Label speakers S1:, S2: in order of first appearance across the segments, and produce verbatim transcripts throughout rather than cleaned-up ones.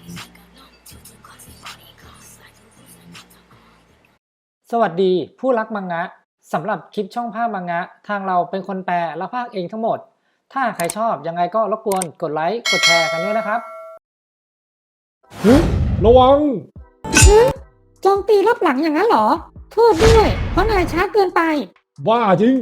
S1: สวัสดีผู้รักมังงะสำหรับคลิปช่องภาพมังงะทางเราเป็นคนแปลและพากย์เองทั้งหมดถ้าใครชอบยังไงก็รบกวนกดไลค์กดแชร์กันด้วยนะครับ
S2: ฮึระวัง
S3: โจมตีรอบหลังอย่างนั้นเหรอโทษด้วยเพราะนายช้าเกินไป
S2: บ้าจริง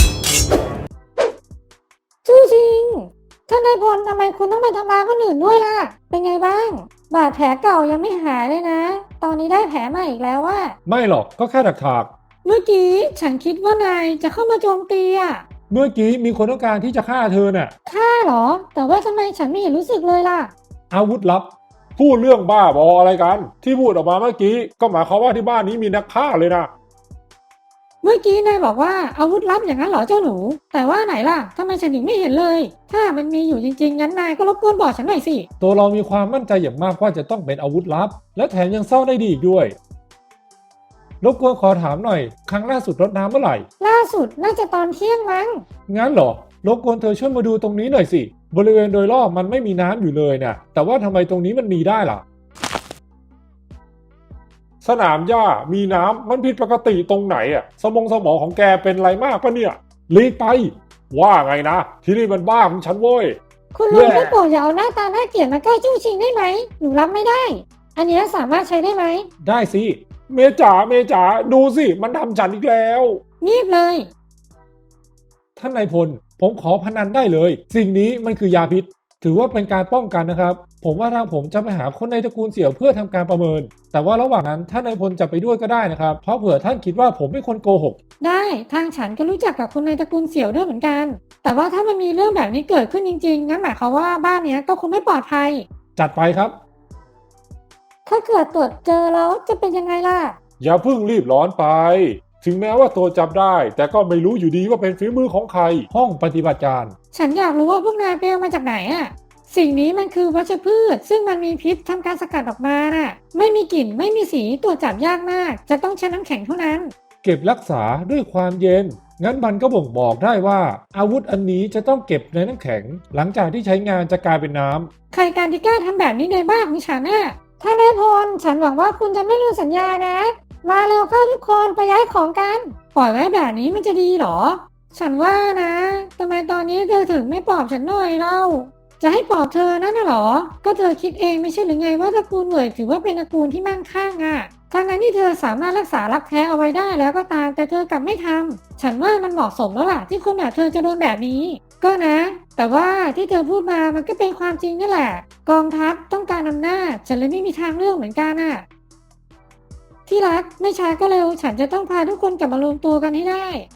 S3: จู้จริงท่านนายพลทำไมคุณต้องไปทำร้ายคนอื่นด้วยล่ะเป็นไงบ้างบาดแผลเก่ายังไม่หายเลยนะตอนนี้ได้แผลใหม่อีกแล้วว่า
S2: ไม่หรอกก็แค่ถักถาก
S3: เมื่อกี้ฉันคิดว่านายจะเข้ามาโจมตีอ่ะ
S2: เมื่อกี้มีคนต้องการที่จะฆ่าเธอน่ะ
S3: ฆ่าเหรอแต่ว่าทำไมฉันไม่เห็นรู้สึกเลยล่ะ
S2: อาวุธลับพูดเรื่องบ้าบออะไรกันที่พูดออกมาเมื่อกี้ก็หมายความว่าที่บ้านนี้มีนักฆ่าเลยนะ
S3: เมื่อกี้นายบอกว่าอาวุธลับอย่างนั้นเหรอเจ้าหนูแต่ว่าไหนล่ะทำไมฉันถึงไม่เห็นเลยถ้ามันมีอยู่จริงๆงั้นนายก็รบกวนบอกฉันหน่อยสิ
S2: ตัวเรามีความมั่นใจอย่างมากว่าจะต้องเป็นอาวุธลับและแถมยังซ่อนได้ดีอีกด้วยรบกวนขอถามหน่อยครั้งล่าสุดรดน้ำเมื่อไหร่
S3: ล่าสุดน่าจะตอนเที่ยงมั้ง
S2: งั้นเหรอรบกวนเธอช่วยมาดูตรงนี้หน่อยสิบริเวณโดยรอบมันไม่มีน้ำอยู่เลยนะแต่ว่าทำไมตรงนี้มันมีได้ล่ะสนามหญ้ามีน้ำมันผิดปกติตรงไหนอ่ะสมองสมองของแกเป็นไรมากปะเนี่ยลีกไปว่าไงนะที่นี่มันบ้าของฉันโว้ย
S3: คุณลุงได้โปรดอย่าเอาหน้าตาน่าเกลียดมาใกล้จู้ชิงได้ไหมหนูรับไม่ได้อันนี้สามารถใช้ได้ไหม
S2: ได้สิเมจ๋าเมจ๋าดูสิมันทำฉันอีกแล้ว
S3: เงียบเลย
S2: ท่านนายพลผมขอพนันได้เลยสิ่งนี้มันคือยาพิษถือว่าเป็นการป้องกันนะครับผมว่าทางผมจะไปหาคนในตระกูลเสี่ยวเพื่อทำการประเมินแต่ว่าระหว่างนั้นท่านนายพลจะไปด้วยก็ได้นะครับเพราะเผื่อท่านคิดว่าผมเป็นคนโกหก
S3: ได้ทางฉันก็รู้จักกับคนในตระกูลเสี่ยวด้วยเหมือนกันแต่ว่าถ้ามันมีเรื่องแบบนี้เกิดขึ้นจริงๆงั้นหมายความว่าบ้านนี้ก็คงไม่ปลอดภัย
S2: จัดไปครับ
S3: ถ้าเกิดตรวจเจอแล้วจะเป็นยังไงล่ะ
S2: อย่าเพิ่งรีบร้อนไปถึงแม้ว่าตัวจับได้แต่ก็ไม่รู้อยู่ดีว่าเป็นฝีมือของใครห้องปฏิบัติการ
S3: ฉันอยากรู้ว่าพวกนายไปเอามาจากไหนอะสิ่งนี้มันคือวัชพืชซึ่งมันมีพิษทำการสกัดออกมาน่ะไม่มีกลิ่นไม่มีสีตรวจจับยากมากจะต้องใช้น้ำแข็งเท่านั้น
S2: เก็บรักษาด้วยความเย็นงั้นมันก็บ่งบอกได้ว่าอาวุธอันนี้จะต้องเก็บในน้ำแข็งหลังจากที่ใช้งานจะกลายเป็นน้
S3: ำใครการที่กล้าทำแบบนี้ในบ้านของฉันน่ะถ้านายพลฉันหวังว่าคุณจะไม่ลืมสัญญานะมาเร็วเข้าทุกคนไปย้ายของกันปล่อยไว้แบบนี้มันจะดีหรอฉันว่านะทำไมตอนนี้เธอถึงไม่ปลอบฉันหน่อยเล่าจะให้ปลอบเธอนั่นน่ะหรอก็เธอคิดเองไม่ใช่หรือไงว่าตระกูลเหวยถือว่าเป็นตระกูลที่มั่งคั่งอ่ะทั้งนั้นที่เธอสามารถรักษารักแท้เอาไว้ได้แล้วก็ตามแต่เธอกลับไม่ทำฉันว่ามันเหมาะสมแล้วล่ะที่คนแบบเธอจะโดนแบบนี้ก็นะแต่ว่าที่เธอพูดมามันก็เป็นความจริงนี่แหละกองทัพต้องการอำนาจฉันเลยไม่มีทางเลือกเหมือนกันอ่ะที่รักไม่ช้าก็เร็วฉันจะต้องพาทุกคนกลับมารวมตัวกันให้ได้